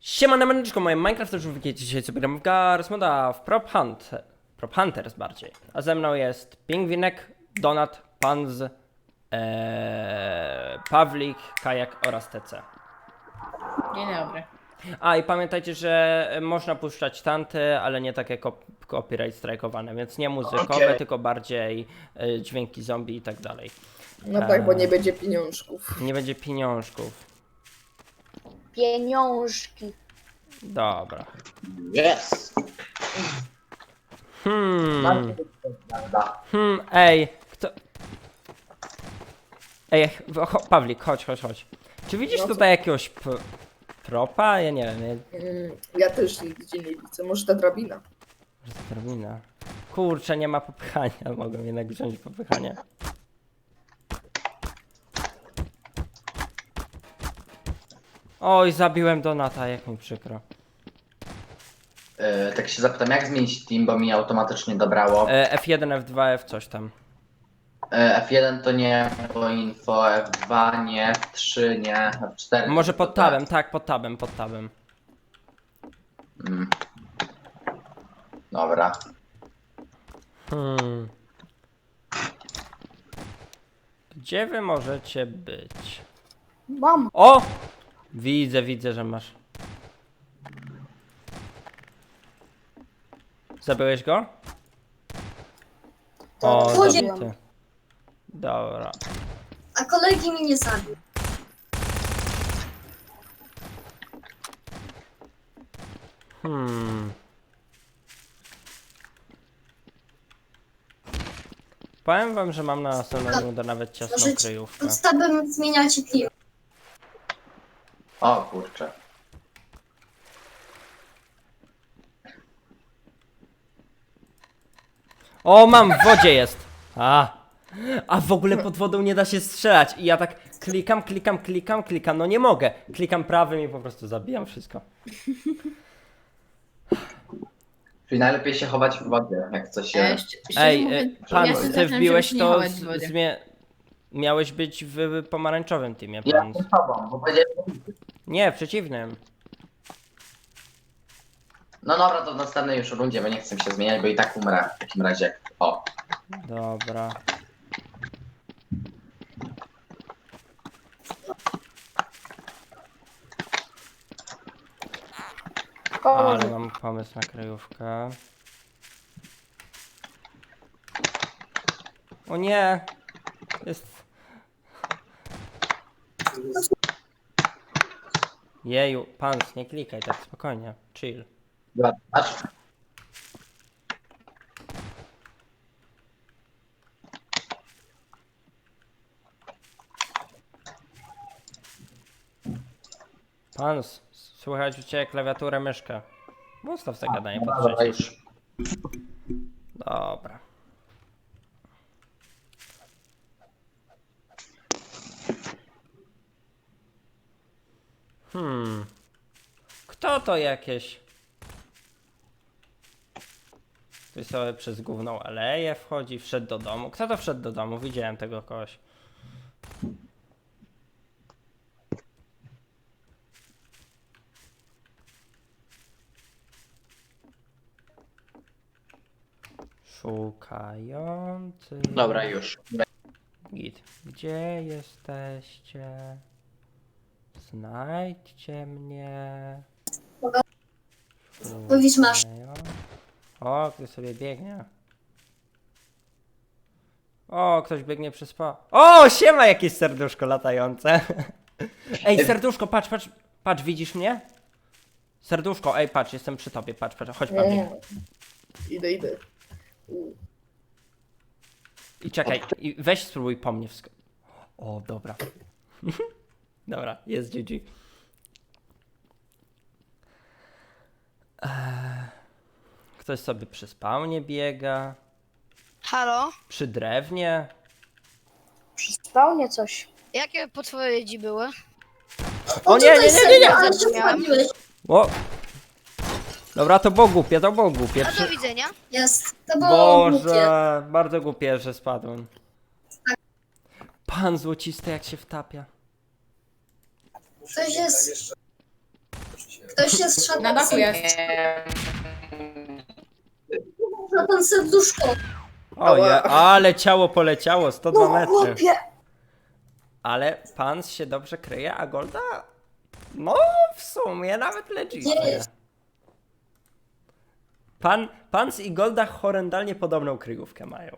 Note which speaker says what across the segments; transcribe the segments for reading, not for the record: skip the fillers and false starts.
Speaker 1: Siemane maneczko, moje Minecraft już wiecie, dzisiaj sobie gram w Garry's Moda, w Prop Hunters bardziej. A ze mną jest Pingwinek, Donat, Panz, Pawlik, Kajak oraz TC.
Speaker 2: Dzień dobry.
Speaker 1: A i pamiętajcie, że można puszczać tanty, ale nie takie copyright strajkowane, więc nie muzykowe, tylko bardziej dźwięki zombie i tak dalej.
Speaker 3: No tak, bo nie będzie pieniążków.
Speaker 1: Nie będzie pieniążków.
Speaker 4: Pieniążki.
Speaker 1: Dobra.
Speaker 5: Yes!
Speaker 1: Ej, kto... Ej, Pawlik, chodź. Czy widzisz
Speaker 3: No co?
Speaker 1: tutaj jakiegoś propa? Ja nie wiem,
Speaker 3: Ja też nigdzie nie widzę. Może ta drabina.
Speaker 1: może to drabina. Kurczę, nie ma popychania, mogę jednak wziąć popychanie. Oj, zabiłem Donata, jak mi przykro.
Speaker 5: Tak się zapytam, jak zmienić team, bo mi automatycznie dobrało.
Speaker 1: F1, F2, F coś tam.
Speaker 5: F1 to nie, bo info, F2 nie, F3 nie, F4.
Speaker 1: Może
Speaker 5: to
Speaker 1: pod tabem, tak, pod tabem.
Speaker 5: Mm. Dobra.
Speaker 1: Gdzie wy możecie być?
Speaker 4: Mam.
Speaker 1: O! Widzę, że masz. Zabiłeś go? O,
Speaker 4: Zabiłem.
Speaker 1: zabity. Dobra.
Speaker 4: A kolegi mi nie zabił.
Speaker 1: Powiem wam, że mam na następną rundę nawet ciasną
Speaker 4: Może
Speaker 1: kryjówkę.
Speaker 4: podstawem zmieniacie team.
Speaker 5: O kurczę.
Speaker 1: O, mam, w wodzie jest! A w ogóle pod wodą nie da się strzelać i ja tak klikam, no nie mogę. Klikam prawym i po prostu zabijam wszystko.
Speaker 5: Czyli najlepiej się chować w wodzie, jak coś się...
Speaker 1: Ej, pan,
Speaker 2: ja się
Speaker 1: ty
Speaker 2: zaczynam się
Speaker 1: wbiłeś
Speaker 2: nie
Speaker 1: to,
Speaker 2: chować w wodzie.
Speaker 1: miałeś być w pomarańczowym teamie,
Speaker 5: Ja
Speaker 1: pan.
Speaker 5: z tobą, bo powiedziałem...
Speaker 1: Nie, w przeciwnym.
Speaker 5: No dobra, to w następnej już rundzie, bo nie chcę się zmieniać, bo i tak umrę w takim razie. O.
Speaker 1: Dobra. Ale mam pomysł na kryjówkę. O nie! Jest... Jeju, pan, nie klikaj tak spokojnie, chill.
Speaker 5: Patrz.
Speaker 1: Pan, słychać u ciebie klawiaturę, myszkę. Ustaw sobie gadanie pod
Speaker 5: Dobra,
Speaker 1: przycisk.
Speaker 5: już.
Speaker 1: Dobra. Kto to jakieś? Ktoś sobie przez główną aleję wchodzi, wszedł do domu. Kto to wszedł do domu? Widziałem tego kogoś. Szukający.
Speaker 5: Dobra, już.
Speaker 1: Git. Gdzie jesteście? Znajdźcie mnie.
Speaker 4: Mówisz, masz.
Speaker 1: O, ktoś sobie biegnie. O, ktoś biegnie przez O, siema, jakieś serduszko latające. Ej, serduszko, patrz, widzisz mnie? Serduszko, ej, patrz, jestem przy tobie, patrz, chodź, Pawlik.
Speaker 3: Idę.
Speaker 1: I czekaj, i weź spróbuj po mnie O, dobra. Dobra, jest GG. Ktoś sobie przy spawnie biega.
Speaker 6: Halo?
Speaker 1: Przy drewnie.
Speaker 4: Przy spawnie coś.
Speaker 6: Jakie podpowiedzi były?
Speaker 1: O nie!
Speaker 4: Ale się wchodziłeś.
Speaker 1: O! Dobra, to było głupie.
Speaker 6: A do widzenia.
Speaker 4: Jest. To było głupie.
Speaker 1: Boże, bardzo głupie, że spadłem. Pan złocisty jak się wtapia.
Speaker 4: Coś jest. Ktoś jest
Speaker 2: Na
Speaker 4: szatan.
Speaker 2: dachu jest.
Speaker 4: Szatan serduszko.
Speaker 1: Oje, ale ciało poleciało, 102
Speaker 4: No
Speaker 1: metry.
Speaker 4: chłopie.
Speaker 1: Ale Pans się dobrze kryje, a Golda? No, w sumie nawet legit.
Speaker 4: Gdzie jest?
Speaker 1: Pans i Golda horrendalnie podobną kryjówkę mają.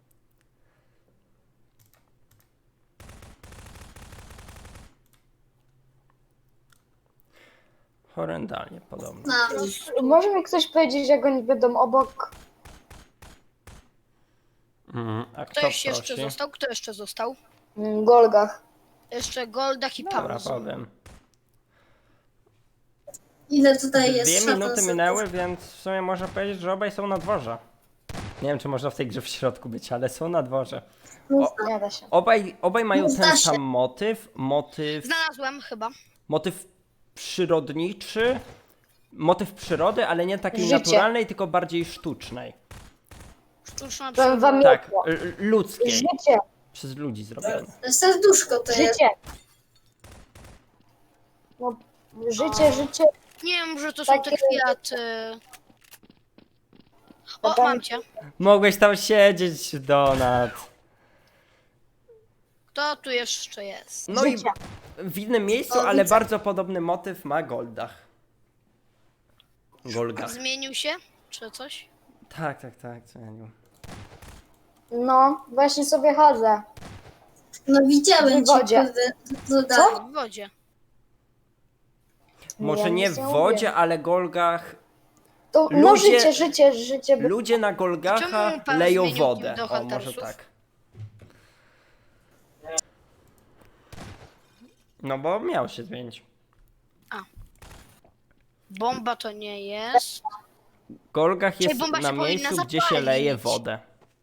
Speaker 1: Horrendalnie podobną.
Speaker 4: Może mi ktoś powiedzieć, jak oni będą obok?
Speaker 1: A kto
Speaker 6: Ktoś jeszcze
Speaker 1: prosi?
Speaker 6: został? Kto jeszcze został?
Speaker 4: Golgach.
Speaker 6: Jeszcze Goldak i
Speaker 1: Dobra,
Speaker 6: Paulus.
Speaker 1: powiem.
Speaker 4: Ile tutaj jest
Speaker 1: 2
Speaker 4: szatan
Speaker 1: minuty
Speaker 4: serduszko?
Speaker 1: minęły, więc w sumie można powiedzieć, że obaj są na dworze. Nie wiem, czy można w tej grze w środku być, ale są na dworze.
Speaker 4: Nie da się.
Speaker 1: Obaj mają
Speaker 4: Zda
Speaker 1: ten
Speaker 4: się.
Speaker 1: sam motyw
Speaker 6: Znalazłem chyba.
Speaker 1: motyw przyrodniczy, motyw przyrody, ale nie takiej
Speaker 4: Życie.
Speaker 1: naturalnej, tylko bardziej sztucznej.
Speaker 6: Sztuczna
Speaker 4: Powiem wam
Speaker 6: przyroda.
Speaker 1: Tak,
Speaker 4: jedno.
Speaker 1: ludzkiej,
Speaker 4: Życie.
Speaker 1: przez ludzi zrobione.
Speaker 4: Serduszko to jest. Życie. No, życie.
Speaker 6: Nie wiem, że to są te
Speaker 4: Takie-
Speaker 6: kwiaty. O,
Speaker 4: Tam-
Speaker 6: mam cię.
Speaker 1: Mogłeś tam siedzieć, Donat.
Speaker 6: Kto tu jeszcze jest?
Speaker 1: No
Speaker 4: Życie.
Speaker 1: i w innym miejscu,
Speaker 4: O,
Speaker 1: ale
Speaker 4: widzę.
Speaker 1: bardzo podobny motyw ma Goldach. Golgach.
Speaker 6: Zmienił się? Czy coś?
Speaker 1: Tak, zmienił.
Speaker 4: No, właśnie sobie chodzę.
Speaker 7: No widziałem
Speaker 4: W wodzie.
Speaker 7: Co?
Speaker 6: W wodzie.
Speaker 1: Może
Speaker 4: Ja
Speaker 1: nie
Speaker 4: nic
Speaker 1: w
Speaker 4: nie
Speaker 1: wodzie,
Speaker 4: mówię.
Speaker 1: ale Golgach.
Speaker 4: To, no
Speaker 1: Ludzie-
Speaker 4: życie.
Speaker 1: Ludzie na Golgacha
Speaker 6: Czemu pan
Speaker 1: leją
Speaker 6: zmienił
Speaker 1: wodę.
Speaker 6: do
Speaker 1: O, może
Speaker 6: Huntersów?
Speaker 1: tak. No bo miał się zmienić.
Speaker 6: Bomba to nie jest.
Speaker 1: Golgach jest
Speaker 6: bomba
Speaker 1: na
Speaker 6: się powinna
Speaker 1: miejscu, gdzie się
Speaker 6: zapalić.
Speaker 1: leje wodę.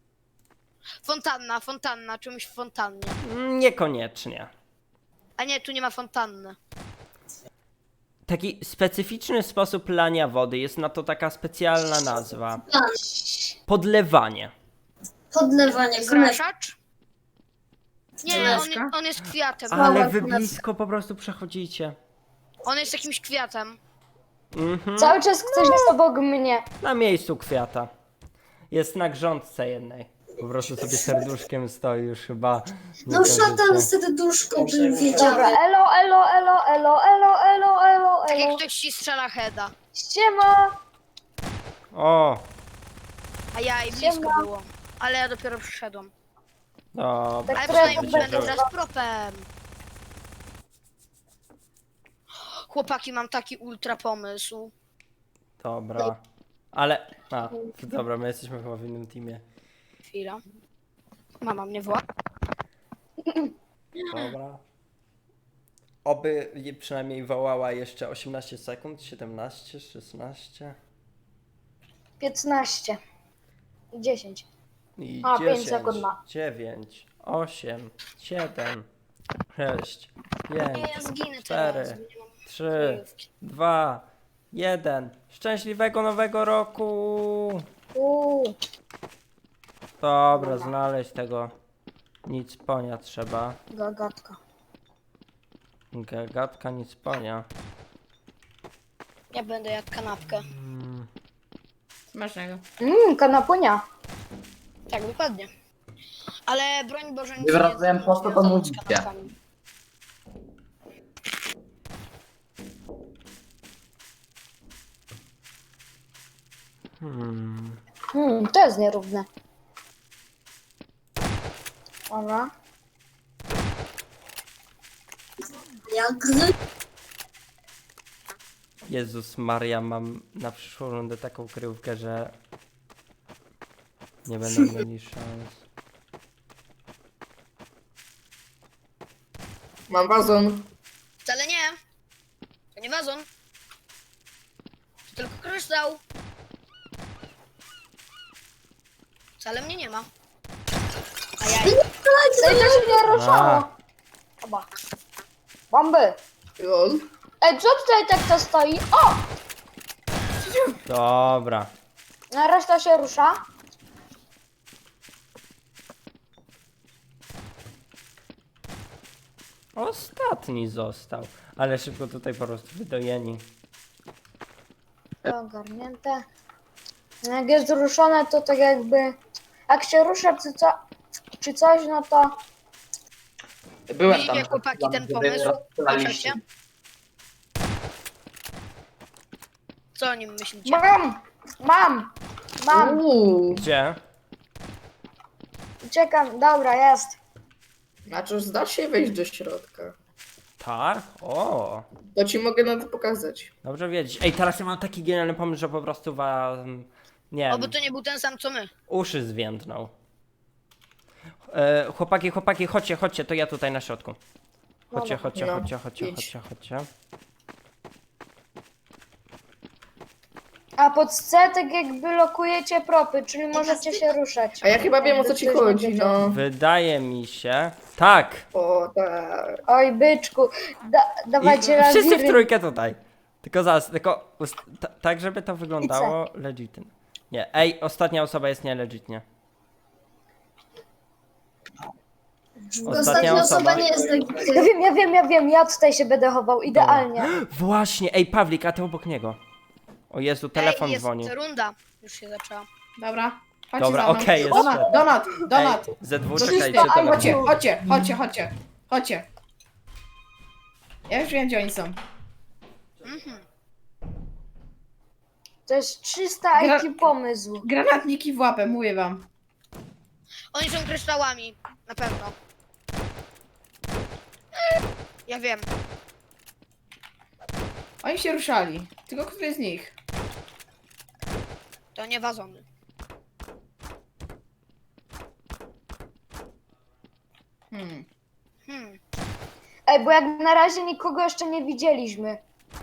Speaker 6: Fontanna, czymś w fontannie.
Speaker 1: Niekoniecznie.
Speaker 6: A nie, tu nie ma fontanny.
Speaker 1: Taki specyficzny sposób lania wody, jest na to taka specjalna nazwa. Podlewanie.
Speaker 7: Podlewanie konewki.
Speaker 6: Zraszacz? Nie,
Speaker 2: Zalewka?
Speaker 6: on jest kwiatem.
Speaker 1: Ale wy blisko po prostu przechodzicie.
Speaker 6: On jest jakimś kwiatem.
Speaker 4: Cały czas ktoś jest obok mnie.
Speaker 1: Na miejscu kwiata. Jest na grządce jednej. Po prostu sobie serduszkiem stoi już chyba. nie
Speaker 7: No
Speaker 1: kojarzycie.
Speaker 7: szatan serduszko bym
Speaker 4: Dobra,
Speaker 7: wiedział.
Speaker 4: elo.
Speaker 6: Tak jak ktoś ci strzela heada.
Speaker 4: Siema.
Speaker 1: O,
Speaker 6: A ja i blisko
Speaker 4: Siema.
Speaker 6: było. Ale ja dopiero przyszedłem.
Speaker 1: dobra.
Speaker 6: Ale
Speaker 4: Które
Speaker 6: przynajmniej
Speaker 4: to
Speaker 6: będę
Speaker 4: będzie?
Speaker 6: teraz propem. Chłopaki, mam taki ultra pomysł.
Speaker 1: Dobra. Ale. A, dobra, my jesteśmy chyba w innym teamie.
Speaker 6: Chwila. Mama mnie woła.
Speaker 1: Dobra. Oby je przynajmniej wołała jeszcze 18 sekund, 17, 16
Speaker 4: 15. 10.
Speaker 1: i
Speaker 4: A, 5
Speaker 1: 10,
Speaker 4: sekund ma.
Speaker 1: 9, 8, 7, 6, 5,
Speaker 6: Nie, ja zginę
Speaker 1: 4,
Speaker 6: teraz. bo nie mam
Speaker 1: 3,
Speaker 6: kryjówki.
Speaker 1: 2, 1. Szczęśliwego nowego roku! Dobra, znaleźć tego nic ponia trzeba.
Speaker 4: Gagatka.
Speaker 1: Gagatka nic ponia.
Speaker 6: Ja będę jadł kanapkę.
Speaker 2: Smacznego.
Speaker 4: Kanapunia.
Speaker 6: Tak, dokładnie. Ale broń Boże nic
Speaker 5: Nie wracałem, po co to
Speaker 6: związane z
Speaker 5: mówicie?
Speaker 6: kanapkami.
Speaker 4: To jest nierówne. Dobra.
Speaker 7: Jak gry.
Speaker 1: Jezus Maria, mam na przyszłą rundę taką kryjówkę, że nie będą mieli szans.
Speaker 3: Mam wazon.
Speaker 6: Wcale nie. To nie wazon. To tylko kryształ. Wcale mnie nie ma. A ja
Speaker 4: Ej, to się nie ruszało.
Speaker 1: A,
Speaker 4: Chyba. Bomby.
Speaker 3: Lol.
Speaker 4: Ej, co tutaj tak to stoi? O!
Speaker 1: dobra.
Speaker 4: Na reszta się rusza.
Speaker 1: Ostatni został. Ale szybko tutaj po prostu wydojeni.
Speaker 4: To ogarnięte. Jak jest ruszone, to tak jakby... Jak się rusza czy coś, no to...
Speaker 5: Byłem
Speaker 6: Widzicie,
Speaker 5: tam.
Speaker 6: chłopaki, ten
Speaker 5: kiedy
Speaker 6: pomysł?
Speaker 5: rozstrzelaliście.
Speaker 6: Co o nim myślicie?
Speaker 4: Mam!
Speaker 1: Gdzie?
Speaker 4: Uciekam, dobra, jest.
Speaker 3: Znaczy, zda się wejść do środka.
Speaker 1: Tak? O,
Speaker 3: To ci mogę na to pokazać.
Speaker 1: dobrze wiedzieć. Ej, teraz ja mam taki genialny pomysł, że po prostu wam... Nie
Speaker 6: Oby
Speaker 1: wiem,
Speaker 6: to nie był ten sam co my.
Speaker 1: uszy zwiędną. Chłopaki, chodźcie, to ja tutaj na środku. Chodźcie.
Speaker 3: idź.
Speaker 4: A pod C tak jakby lokujecie propy, czyli możecie się ruszać.
Speaker 3: A ja chyba wiem, o co ci chodzi, no.
Speaker 1: Wydaje mi się... Tak!
Speaker 3: O, tak.
Speaker 4: Oj, byczku, dawajcie
Speaker 1: I wszyscy w
Speaker 4: lawiry.
Speaker 1: trójkę tutaj. Tylko zaraz, tak żeby to wyglądało legitnie. Nie, ej, ostatnia osoba jest nielegitnie.
Speaker 7: Ostatnia osoba nie jest legitymna.
Speaker 4: Ja wiem, ja tutaj się będę chował, idealnie.
Speaker 1: Właśnie, ej, Pawlik, a ty obok niego. O Jezu, telefon
Speaker 6: Ej, jest
Speaker 1: dzwoni.
Speaker 6: runda. Już się zaczęła.
Speaker 2: Dobra. Chodźcie
Speaker 1: Dobra,
Speaker 2: za mną.
Speaker 1: okej, jest
Speaker 2: Donat,
Speaker 1: świetnie.
Speaker 2: Donat.
Speaker 1: Ej, ze dwóch
Speaker 2: Wszyscy,
Speaker 1: czekajcie, telefon.
Speaker 2: chodźcie. Ja już wiem, gdzie oni są.
Speaker 4: To jest 300 IQ pomysł.
Speaker 2: Granatniki w łapę, mówię wam.
Speaker 6: Oni są kryształami. Na pewno. Ja wiem.
Speaker 2: Oni się ruszali. Tylko który z nich?
Speaker 6: To nie wazony. Hmm.
Speaker 4: Ej, bo jak na razie nikogo jeszcze nie widzieliśmy.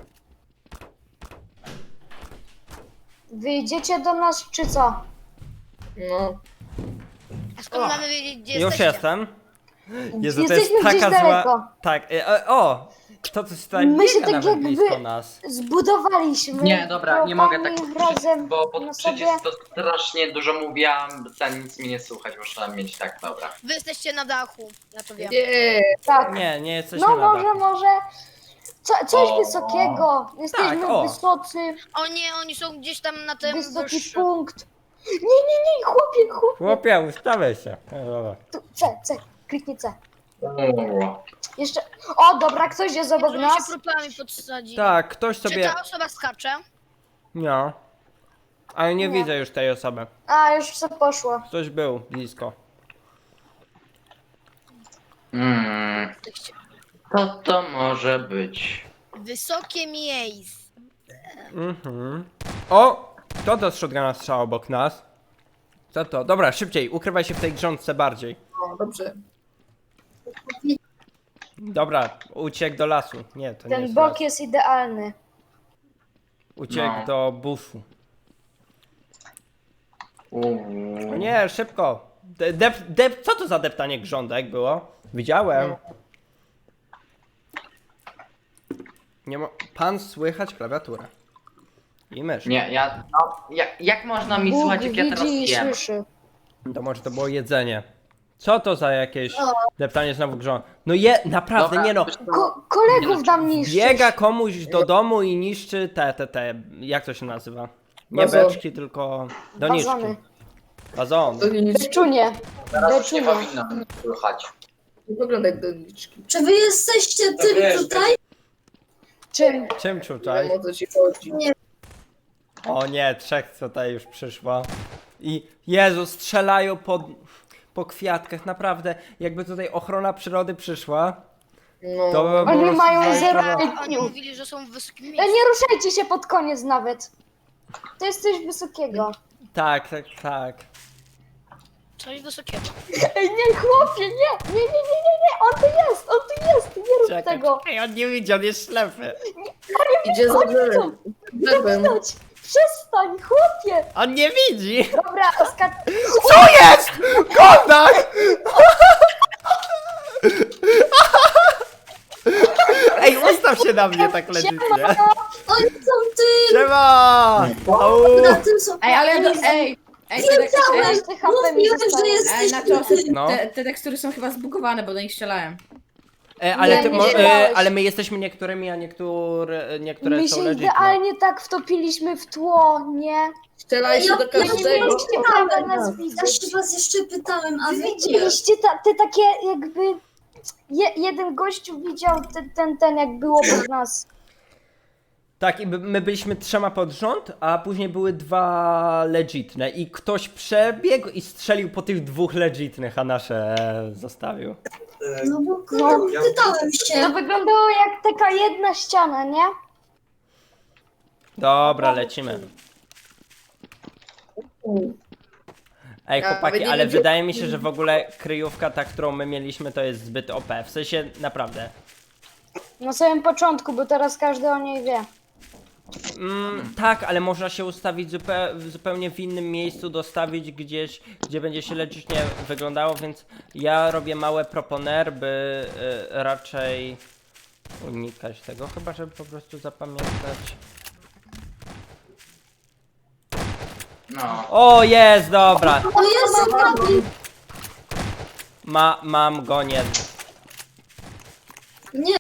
Speaker 4: Wyjdziecie do nas, czy co?
Speaker 3: No.
Speaker 6: A skąd mamy wiedzieć, gdzie
Speaker 1: Już
Speaker 6: jesteście?
Speaker 1: jestem. Jezu, to jest
Speaker 4: Jesteśmy gdzieś
Speaker 1: taka zła...
Speaker 4: daleko.
Speaker 1: Tak, o! Kto coś tutaj
Speaker 4: My się
Speaker 1: biega
Speaker 4: tak
Speaker 1: nawet
Speaker 4: jakby-
Speaker 1: blisko nas.
Speaker 4: Zbudowaliśmy.
Speaker 5: Nie, dobra, nie mogę tak
Speaker 4: propami razem
Speaker 5: bo
Speaker 4: na
Speaker 5: pod
Speaker 4: sobie.
Speaker 5: przycisk to strasznie dużo mówiłam, ten nic mi nie słuchać, muszę mieć tak, dobra.
Speaker 6: Wy jesteście na dachu. Ja to wiem.
Speaker 3: Nie.
Speaker 4: Tak.
Speaker 1: Nie jesteśmy
Speaker 4: No
Speaker 1: na
Speaker 4: może,
Speaker 1: dachu.
Speaker 4: coś
Speaker 5: O.
Speaker 4: wysokiego. Jesteśmy
Speaker 1: Tak, o.
Speaker 4: wysocy,
Speaker 6: O nie, oni są gdzieś tam na tym
Speaker 4: wysoki
Speaker 6: wyższym.
Speaker 4: punkt. Nie, chłopie.
Speaker 1: Chłopie, ustawiaj się. Dobra.
Speaker 4: Tu, C, kliknij C.
Speaker 5: O,
Speaker 4: Jeszcze, o dobra, ktoś jest obok
Speaker 6: Żeby się
Speaker 4: nas.
Speaker 6: próbami podsadzić.
Speaker 1: Tak, ktoś
Speaker 6: Czy
Speaker 1: sobie...
Speaker 6: ta osoba skacze?
Speaker 1: No. Ale nie
Speaker 4: Nie.
Speaker 1: widzę już tej osoby.
Speaker 4: A, już co poszło.
Speaker 1: Ktoś był blisko.
Speaker 5: Co to może być?
Speaker 6: Wysokie miejsce.
Speaker 1: O! Kto to z shotguna strzał obok nas? Co to? Dobra, szybciej, ukrywaj się w tej grządce bardziej.
Speaker 3: O, dobrze.
Speaker 1: Dobra, uciekł do lasu. Nie, to nie
Speaker 4: Ten
Speaker 1: jest
Speaker 4: bok
Speaker 1: las.
Speaker 4: jest idealny.
Speaker 1: Uciekł
Speaker 5: No.
Speaker 1: do buszu.
Speaker 5: Uuu.
Speaker 1: O nie, szybko! Co to za deptanie grządek było? Widziałem. Nie ma... Pan słychać klawiaturę. I mysz.
Speaker 5: Nie, jak można mi
Speaker 4: Bóg
Speaker 5: słuchać, jak ja teraz
Speaker 4: widzi i
Speaker 5: jem?
Speaker 4: słyszy.
Speaker 1: To może to było jedzenie. Co to za jakieś deptanie znowu grządek? No naprawdę,
Speaker 5: Dobra,
Speaker 1: nie no.
Speaker 5: wiesz co?
Speaker 4: Kolegów nam niszczysz.
Speaker 1: Biega komuś do domu i niszczy te, jak to się nazywa? Nie
Speaker 3: Wazony.
Speaker 1: beczki, tylko doniczki.
Speaker 4: Wazony.
Speaker 1: Wazon.
Speaker 3: Doniczki.
Speaker 4: Beczunie.
Speaker 5: Teraz już nie
Speaker 4: Beczunie.
Speaker 5: powinno mnie słychać.
Speaker 3: Nie wygląda jak doniczki.
Speaker 7: Czy wy jesteście tym tutaj?
Speaker 4: Czym?
Speaker 1: Czym
Speaker 3: Nie
Speaker 1: tutaj?
Speaker 3: wiem, o co ci chodzi.
Speaker 1: O nie, trzech tutaj już przyszło. I Jezu, strzelają po kwiatkach, naprawdę. Jakby tutaj ochrona przyrody przyszła,
Speaker 3: No.
Speaker 1: to by po
Speaker 4: Oni
Speaker 1: prostu
Speaker 4: mają
Speaker 1: zaczęła-
Speaker 4: zero
Speaker 6: Oni
Speaker 4: IQ.
Speaker 6: mówili, że są w wysokim
Speaker 4: Nie
Speaker 6: miejscu.
Speaker 4: ruszajcie się pod koniec nawet. To jest coś wysokiego.
Speaker 1: Tak.
Speaker 6: Coś wysokiego.
Speaker 4: Ej, nie, chłopie, nie, on tu jest, nie rób
Speaker 1: Czekaj,
Speaker 4: tego.
Speaker 1: Ej, on nie widzi, on jest ślepy.
Speaker 3: Idzie za
Speaker 4: Oni
Speaker 3: drzewem.
Speaker 4: widzą, nie
Speaker 3: Drzewem.
Speaker 4: widać. Przestań, chłopie.
Speaker 1: On nie widzi!
Speaker 4: Dobra,
Speaker 1: Co jest? Kontakt! Ej, ustaw się na mnie tak legitnie.
Speaker 7: Oni są tym!
Speaker 1: Siema! Au!
Speaker 7: Na tym są...
Speaker 2: Ej, ale ej,
Speaker 7: Wiedziałem!
Speaker 4: te HP mi
Speaker 7: Mówiłem, że
Speaker 4: zostało.
Speaker 2: ej,
Speaker 7: jesteście
Speaker 2: na czosy,
Speaker 1: No.
Speaker 2: te tekstury są chyba zbugowane, bo do nich strzelałem.
Speaker 1: Ale,
Speaker 4: Nie,
Speaker 1: ty,
Speaker 4: nie śmiałeś.
Speaker 1: ale my jesteśmy niektórymi, a niektóre
Speaker 4: My
Speaker 1: są
Speaker 4: się
Speaker 1: legit.
Speaker 4: idealnie tak wtopiliśmy w tło, nie?
Speaker 3: Strzelajcie do
Speaker 7: Ja
Speaker 4: Nie
Speaker 3: każdego.
Speaker 4: mieliście prawa nas
Speaker 7: Ja
Speaker 4: widzieć.
Speaker 7: się was jeszcze pytałem, a wy nie.
Speaker 4: Widzieliście te takie jakby... jeden gościu widział ten jak było pod nas.
Speaker 1: Tak, i my byliśmy 3 pod rząd, a później były 2 legitne i ktoś przebiegł i strzelił po tych 2 legitnych, a nasze zostawił.
Speaker 7: No bo kurde, pytałem
Speaker 4: To
Speaker 7: się.
Speaker 4: wyglądało jak taka jedna ściana, nie?
Speaker 1: Dobra, lecimy. Ej,
Speaker 3: Ja
Speaker 1: chłopaki,
Speaker 3: nie
Speaker 1: ale
Speaker 3: wiem, gdzie-
Speaker 1: wydaje mi się, że w ogóle kryjówka ta, którą my mieliśmy, to jest zbyt OP. W sensie, naprawdę.
Speaker 4: Na samym początku, bo teraz każdy o niej wie.
Speaker 1: Tak, ale można się ustawić zupełnie w innym miejscu, dostawić gdzieś, gdzie będzie się legitnie wyglądało, więc ja robię małe proponer, by raczej unikać tego, chyba żeby po prostu zapamiętać.
Speaker 5: No.
Speaker 1: O, jest, dobra.
Speaker 7: O Jezu, Kamil!
Speaker 1: Mam go, nie.
Speaker 7: Nie,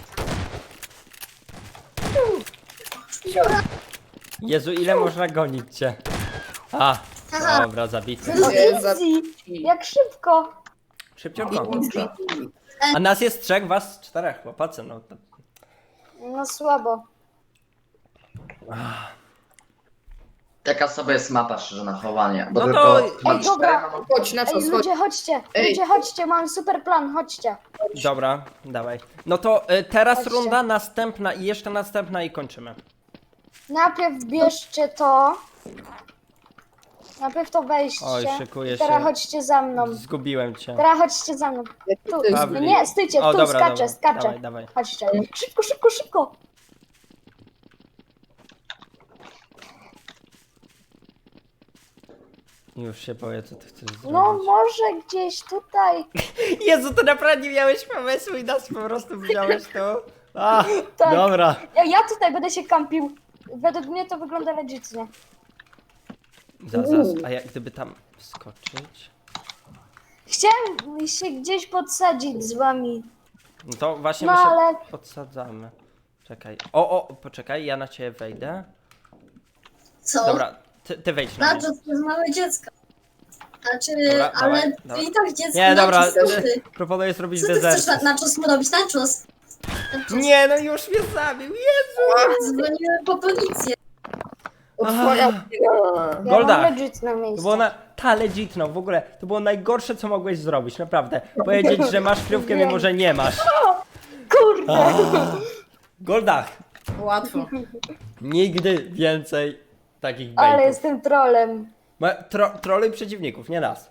Speaker 1: Jezu, ile można gonić cię? A, dobra, zabity.
Speaker 3: Nie, za-
Speaker 4: Easy! Jak szybko!
Speaker 1: Szybciutko. A nas jest 3, was 4, chłopacy, no to...
Speaker 4: No słabo.
Speaker 5: Taka sobie jest mapa szczerze na chowanie. Bo
Speaker 1: No
Speaker 5: tylko
Speaker 1: to-
Speaker 5: mam
Speaker 4: Ej, dobra.
Speaker 5: 4, mam-
Speaker 3: Chodź, na co
Speaker 4: Ej,
Speaker 3: schodź.
Speaker 4: ludzie, chodźcie!
Speaker 3: Ej.
Speaker 4: Ludzie, chodźcie, mam super plan, chodźcie.
Speaker 1: Dobra, dawaj. No to teraz
Speaker 4: Chodźcie.
Speaker 1: runda, następna i jeszcze następna i kończymy.
Speaker 4: Najpierw bierzcie to. Najpierw to wejście.
Speaker 1: Oj, szykuję
Speaker 4: Teraz
Speaker 1: się.
Speaker 4: chodźcie za mną.
Speaker 1: Zgubiłem cię.
Speaker 4: Teraz chodźcie za mną. Tu.
Speaker 1: Pawli.
Speaker 4: Nie, stójcie,
Speaker 1: O,
Speaker 4: tu,
Speaker 1: dobra,
Speaker 4: skaczę,
Speaker 1: dobra.
Speaker 4: skaczę.
Speaker 1: Dawaj, dawaj.
Speaker 4: Chodźcie. Szybko, szybko, szybko.
Speaker 1: Już się boję, co ty chcesz zrobić.
Speaker 4: No może gdzieś tutaj.
Speaker 1: Jezu, to naprawdę nie miałeś pomysłu i nas po prostu wziąłeś tu. A,
Speaker 4: Tak.
Speaker 1: dobra.
Speaker 4: Ja tutaj będę się kampił. Według mnie to wygląda legitnie.
Speaker 1: A jak gdyby tam wskoczyć?
Speaker 4: Chciałem się gdzieś podsadzić z wami.
Speaker 1: No to właśnie
Speaker 4: No,
Speaker 1: my się
Speaker 4: ale-
Speaker 1: podsadzamy. Czekaj. O, poczekaj, ja na ciebie wejdę.
Speaker 7: co?
Speaker 1: Dobra, ty wejdź na
Speaker 7: Na
Speaker 1: mnie.
Speaker 7: to jest małe dziecko. Znaczy,
Speaker 1: Dobra,
Speaker 7: ale
Speaker 1: dawaj,
Speaker 7: ty
Speaker 1: dawaj.
Speaker 7: i tak dziecko.
Speaker 1: Nie, dobra,
Speaker 7: nachos, co ty?
Speaker 1: proponuję zrobić
Speaker 7: Co ty chcesz
Speaker 1: dezert.
Speaker 7: na czos mu robić? Na czos?
Speaker 1: Nie, no już mnie zabił, Jezu!
Speaker 7: Dzwoniłem po policję.
Speaker 3: Otworia.
Speaker 4: Ja
Speaker 1: Golda.
Speaker 4: mam legitne
Speaker 1: To
Speaker 4: miejsce.
Speaker 1: było legitno, w ogóle, to było najgorsze, co mogłeś zrobić, naprawdę. Powiedzieć, że masz kryjówkę, mimo że nie masz.
Speaker 4: Kurde.
Speaker 1: Goldach,
Speaker 2: Łatwo.
Speaker 1: nigdy więcej takich
Speaker 4: Ale
Speaker 1: bejtów.
Speaker 4: jestem trolem.
Speaker 1: Troluj przeciwników, nie nas.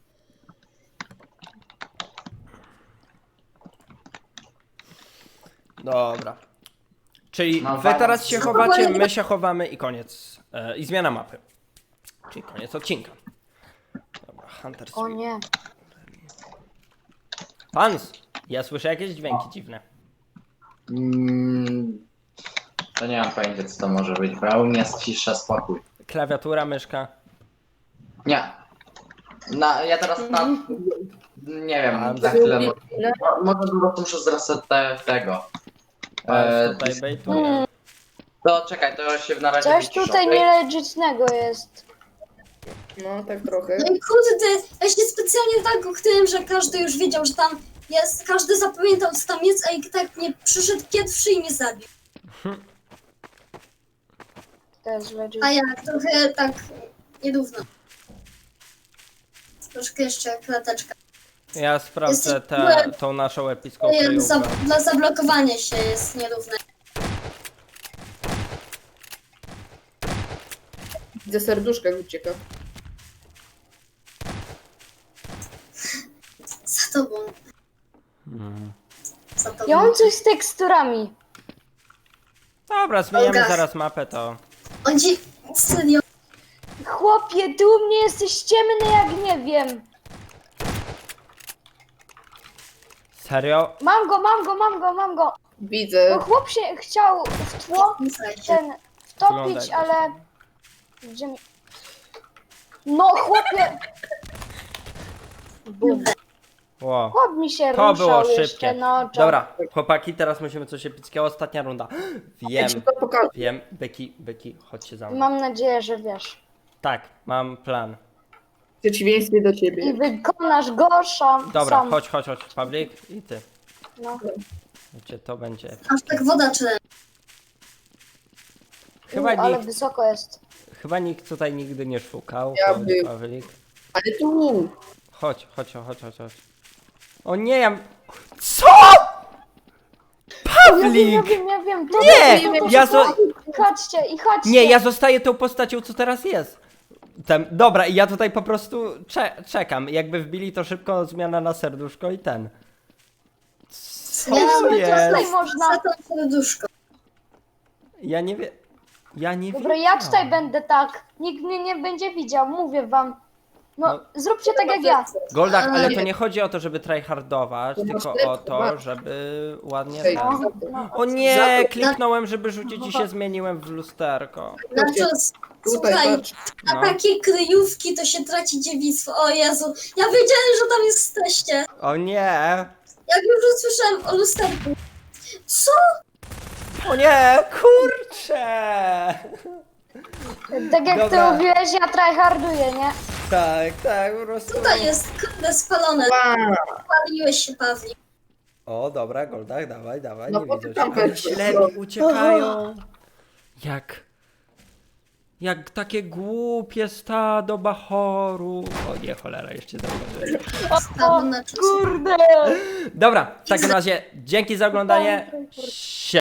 Speaker 1: Dobra. Czyli
Speaker 5: No,
Speaker 1: wy teraz się chowacie,
Speaker 7: No,
Speaker 1: my się chowamy i koniec. I zmiana mapy. Czyli koniec odcinka. Dobra, Hunter
Speaker 4: O nie.
Speaker 1: Hans, ja słyszę jakieś dźwięki dziwne.
Speaker 5: To nie mam pojęcia co to może być, bo ja u mnie jest cisza, spokój.
Speaker 1: Klawiatura, myszka.
Speaker 5: Nie. Ja teraz nie wiem,
Speaker 1: A,
Speaker 5: za chwilę. Może po prostu muszę zresetać tego.
Speaker 1: Tutaj bejtuje.
Speaker 5: To czekaj, to się na razie
Speaker 4: Coś
Speaker 5: wyciszę,
Speaker 4: tutaj
Speaker 5: okej?
Speaker 4: nielegitnego jest.
Speaker 3: No, tak trochę.
Speaker 7: No i kurde, ja się specjalnie tak ukryłem, że każdy już wiedział, że tam jest, każdy zapamiętał co tam jest, a i tak nie przyszedł pierwszy i mnie zabił.
Speaker 4: To jest legit.
Speaker 7: A ja trochę tak nierówno. Troszkę jeszcze klateczka.
Speaker 1: Ja sprawdzę
Speaker 7: Jesteś-
Speaker 1: tą naszą epicką
Speaker 7: Dla
Speaker 1: kryjówkę.
Speaker 7: dla zablokowania się jest nierówne.
Speaker 3: Widzę serduszka jak ucieka.
Speaker 7: Za tobą. Za tobą.
Speaker 4: Ja mam coś z teksturami.
Speaker 1: Dobra, zmieniamy
Speaker 7: Olga.
Speaker 1: zaraz mapę, to...
Speaker 7: On ci... Serio.
Speaker 4: Chłopie, ty u mnie jesteś ciemny jak nie wiem.
Speaker 1: Serio?
Speaker 4: Mam go, mam go, mam go, mam go.
Speaker 3: Widzę.
Speaker 4: No chłop się chciał w tło
Speaker 7: Nie słuchajcie.
Speaker 4: ten wtopić,
Speaker 1: Wyglądaj,
Speaker 4: ale... Gdzie mi... No chłopie! Bum.
Speaker 1: Ło.
Speaker 4: Chłop mi się
Speaker 1: To
Speaker 4: ruszał
Speaker 1: było
Speaker 4: jeszcze,
Speaker 1: szybkie.
Speaker 4: no.
Speaker 1: Dobra, chłopaki, teraz musimy coś epickiego. Ostatnia runda.
Speaker 3: Ja
Speaker 1: Wiem,
Speaker 3: ci to pokażę.
Speaker 1: wiem. Byki, chodźcie za mną.
Speaker 4: Mam nadzieję, że wiesz.
Speaker 1: Tak, mam plan.
Speaker 3: W przeciwieństwie do
Speaker 4: I
Speaker 3: ciebie.
Speaker 4: wykonasz go
Speaker 1: Dobra,
Speaker 4: sam.
Speaker 1: chodź, Pawlik i ty.
Speaker 4: No.
Speaker 1: Wiecie, to będzie.
Speaker 7: Aż tak woda czy
Speaker 1: Chyba
Speaker 4: Ale
Speaker 1: nikt,
Speaker 4: wysoko jest.
Speaker 1: chyba nikt tutaj nigdy nie szukał.
Speaker 3: Ja
Speaker 1: Chodź,
Speaker 3: bym.
Speaker 1: Pawlik.
Speaker 3: Ale tu!
Speaker 1: Chodź. O nie, ja... Co? Pawlik!
Speaker 4: Ja wiem. To
Speaker 1: Nie!
Speaker 4: to
Speaker 1: Ja
Speaker 4: szybko. Chodźcie i chodźcie.
Speaker 1: Nie, ja zostaję tą postacią, co teraz jest. Dobra, i ja tutaj po prostu czekam. Jakby wbili, to szybko zmiana na serduszko i ten. Co
Speaker 4: Nie, no, to
Speaker 1: jest?
Speaker 4: tutaj można.
Speaker 7: za to serduszko.
Speaker 1: Ja nie wiem. Ja nie wiem.
Speaker 4: Dobra, ja tutaj będę tak. Nikt mnie nie będzie widział, mówię wam. No,
Speaker 1: No.
Speaker 4: zróbcie tak jak ja.
Speaker 1: Goldak, ale to nie chodzi o to, żeby tryhardować,
Speaker 3: To
Speaker 1: tylko
Speaker 3: masz
Speaker 1: o to,
Speaker 3: lepszy,
Speaker 1: żeby ładnie
Speaker 3: Hej,
Speaker 1: ten...
Speaker 4: No.
Speaker 1: O nie, kliknąłem, żeby rzucić i się zmieniłem w lusterko.
Speaker 7: Znaczy,
Speaker 3: Tutaj,
Speaker 7: słuchaj,
Speaker 3: patrz.
Speaker 7: na
Speaker 1: No.
Speaker 7: takie kryjówki to się traci dziewictwo. O Jezu, ja wiedziałem, że tam jesteście.
Speaker 1: O nie!
Speaker 7: Jak już usłyszałem o lusterku. Co?
Speaker 1: O nie, kurczę!
Speaker 4: Tak jak
Speaker 1: Dobra.
Speaker 4: ty mówiłeś, ja tryharduję, nie?
Speaker 1: Tak, po prostu.
Speaker 7: Tutaj jest kurde spalone.
Speaker 3: Wow.
Speaker 7: Paliłeś się, Pawli.
Speaker 1: O, dobra, Goldak, dawaj,
Speaker 3: No
Speaker 1: nie
Speaker 3: bo
Speaker 1: widzę
Speaker 3: ty tam
Speaker 1: cię. Ale
Speaker 3: weszłeś,
Speaker 1: ślepi
Speaker 3: no.
Speaker 1: uciekają. Jak takie głupie stado bachoru. O nie, cholera, jeszcze zauważyłem.
Speaker 7: Stało na czas.
Speaker 4: Kurde!
Speaker 1: Dobra, w takim razie dzięki za oglądanie.